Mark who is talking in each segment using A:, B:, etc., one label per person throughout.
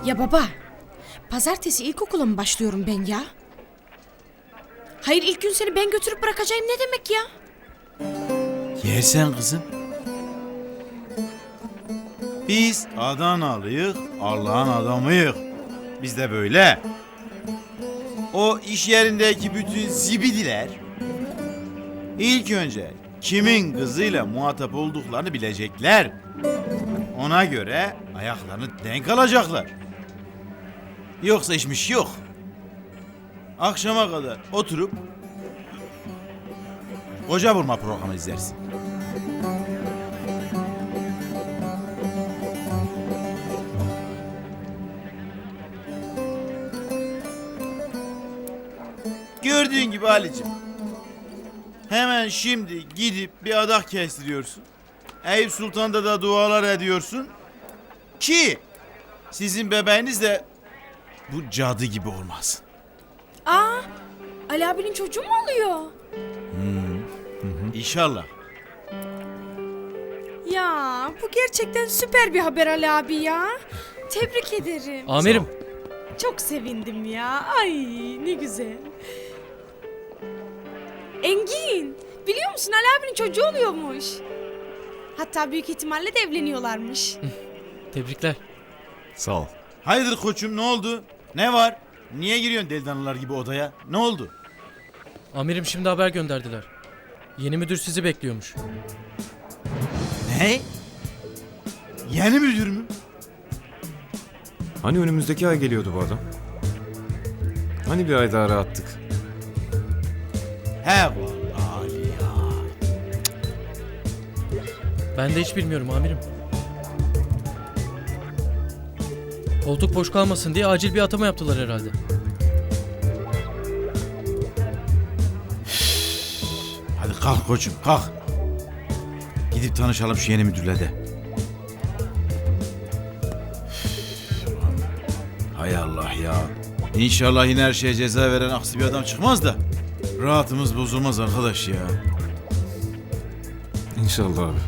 A: Ya baba, pazartesi ilkokula mı başlıyorum ben ya? Hayır, ilk gün seni ben götürüp bırakacağım ne demek ya?
B: Yersen kızım. Biz Adanalıyık, Allah'ın adamıyık. Biz de böyle. O iş yerindeki bütün zibidiler ilk önce kimin kızıyla muhatap olduklarını bilecekler. Ona göre ayaklarını denk alacaklar. Yoksa işmiş yok. Akşama kadar oturup koca vurma programı izlersin. Gördüğün gibi Ali'cim. Hemen şimdi gidip bir adak kestiriyorsun. Eyüp Sultan'da da dualar ediyorsun. Ki sizin bebeğiniz de bu cadı gibi olmasın.
A: Aa, Ali abinin çocuğu mu oluyor?
B: İnşallah.
A: Ya bu gerçekten süper bir haber Ali abi ya. Tebrik ederim.
C: Amirim.
A: Çok sevindim ya. Ay ne güzel. Engin, biliyor musun Ali abinin çocuğu oluyormuş. Hatta büyük ihtimalle de evleniyorlarmış.
C: Tebrikler.
D: Sağ ol.
B: Hayırdır koçum, ne oldu? Ne var? Niye giriyorsun delidanlılar gibi odaya? Ne oldu?
C: Amirim şimdi haber gönderdiler. Yeni müdür sizi bekliyormuş.
B: Ne? Yeni müdür mü?
D: Hani önümüzdeki ay geliyordu bu adam? Hani bir ay daha rahattık?
B: He vallahi Ali ya.
C: Ben de hiç bilmiyorum amirim. Koltuk boş kalmasın diye acil bir atama yaptılar herhalde.
B: Hadi kalk koçum, kalk. Gidip tanışalım şu yeni müdürle de. Hay Allah ya. İnşallah yine her şeye ceza veren aksi bir adam çıkmaz da rahatımız bozulmaz arkadaş ya.
D: İnşallah abi.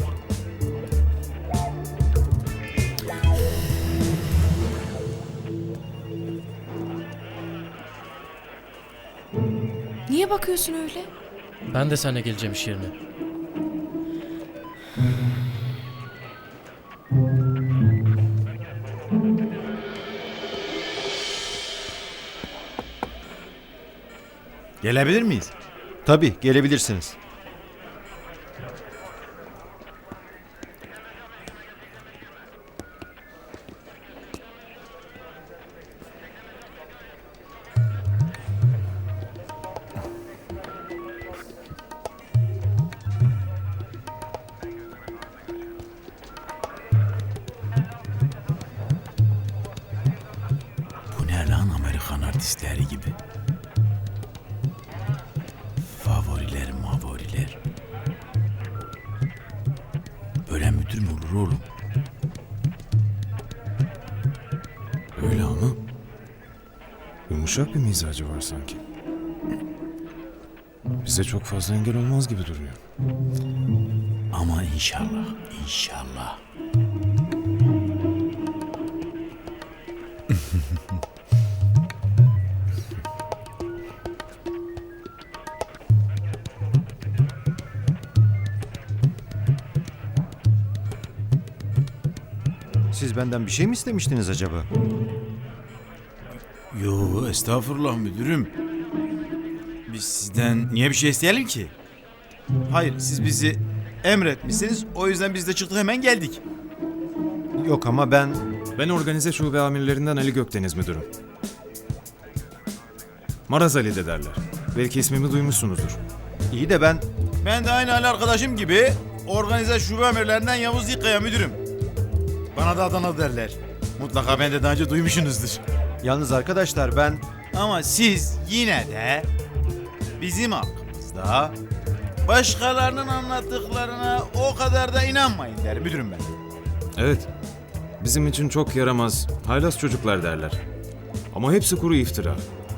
A: Niye bakıyorsun öyle?
C: Ben de seninle geleceğim iş yerine.
B: Gelebilir miyiz?
E: Tabii gelebilirsiniz.
B: Bu ne lan, Amerikan artistleri gibi. Favoriler mavoriler. Böyle müdür mü olur oğlum?
D: Öyle ama yumuşak bir mizacı var sanki. Bize çok fazla engel olmaz gibi duruyor.
B: Ama inşallah, inşallah.
E: Siz benden bir şey mi istemiştiniz acaba?
B: Yo, estağfurullah müdürüm. Biz sizden niye bir şey isteyelim ki? Hayır, siz bizi emretmişsiniz. O yüzden biz de çıktık, hemen geldik.
E: Yok ama ben...
D: Ben organize şube amirlerinden Ali Gökdeniz müdürüm. Maraz Ali de derler. Belki ismimi duymuşsunuzdur.
E: İyi de ben...
B: Ben de aynı Ali arkadaşım gibi organize şube amirlerinden Yavuz Yıkkaya müdürüm. Bana da Adana derler. Mutlaka ben de daha önce duymuşsunuzdur.
E: Yalnız arkadaşlar ben...
B: Ama siz yine de bizim hakkımızda başkalarının anlattıklarına o kadar da inanmayın der müdürüm ben.
D: Evet. Bizim için çok yaramaz, haylaz çocuklar derler. Ama hepsi kuru iftira.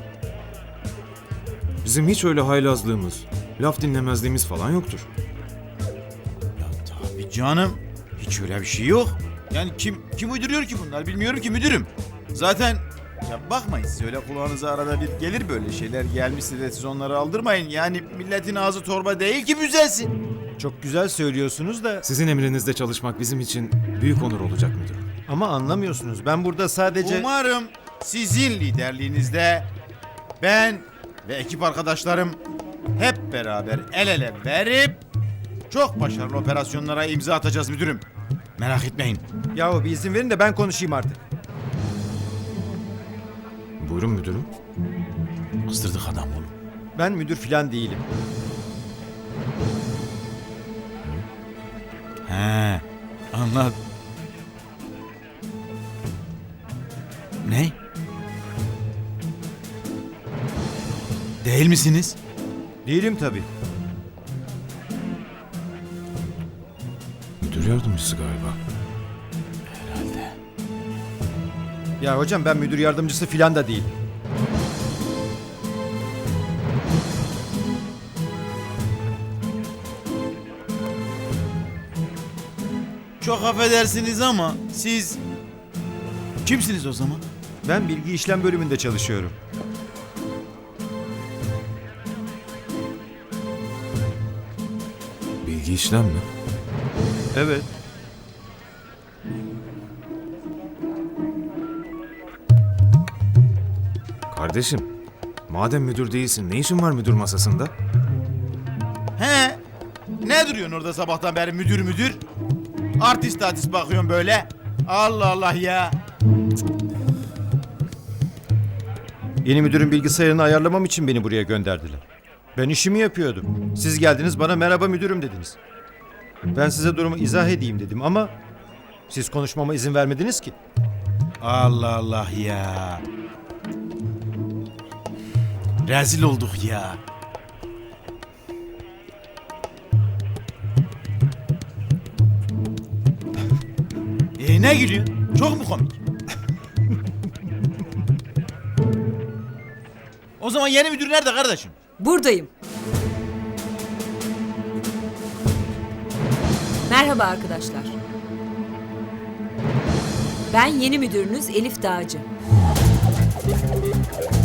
D: Bizim hiç öyle haylazlığımız, laf dinlemezliğimiz falan yoktur.
B: Ya tabii canım. Hiç öyle bir şey yok. Yani kim uyduruyor ki bunlar bilmiyorum ki müdürüm. Zaten ya bakmayın siz öyle kulağınıza arada bir gelir böyle şeyler gelmişse de siz onları aldırmayın. Yani milletin ağzı torba değil ki büzelsin.
E: Çok güzel söylüyorsunuz da
D: Sizin emrinizde çalışmak bizim için büyük onur olacak müdürüm.
E: ama anlamıyorsunuz. Ben burada sadece...
B: Umarım sizin liderliğinizde ben ve ekip arkadaşlarım hep beraber el ele verip çok başarılı operasyonlara imza atacağız müdürüm. Merak etmeyin.
E: Yahu bir izin verin de ben konuşayım artık.
D: Buyurun müdürüm.
B: Astırdık adam oğlum.
E: Ben müdür falan değilim.
B: He, anladım. Ne? Değil misiniz?
E: Değilim tabii.
D: Müdür yardımcısı galiba.
B: Herhalde.
E: Ya hocam ben müdür yardımcısı falan da değilim.
B: Çok affedersiniz ama siz kimsiniz o zaman?
E: Ben bilgi işlem bölümünde çalışıyorum.
D: Bilgi işlem mi?
E: Evet.
D: Kardeşim, madem müdür değilsin ne işin var müdür masasında?
B: He? Ne duruyorsun orada sabahtan beri müdür müdür? Artist bakıyorsun böyle. Allah Allah ya.
E: Yeni müdürün bilgisayarını ayarlamam için beni buraya gönderdiler. Ben işimi yapıyordum. Siz geldiniz bana merhaba müdürüm dediniz. Ben size durumu izah edeyim dedim ama siz konuşmama izin vermediniz ki.
B: Allah Allah ya. Rezil olduk ya. Ne gülüyorsun? Çok mu komik? O zaman yeni müdür nerede kardeşim?
F: Buradayım. Merhaba arkadaşlar. Ben yeni müdürünüz Elif Dağcı.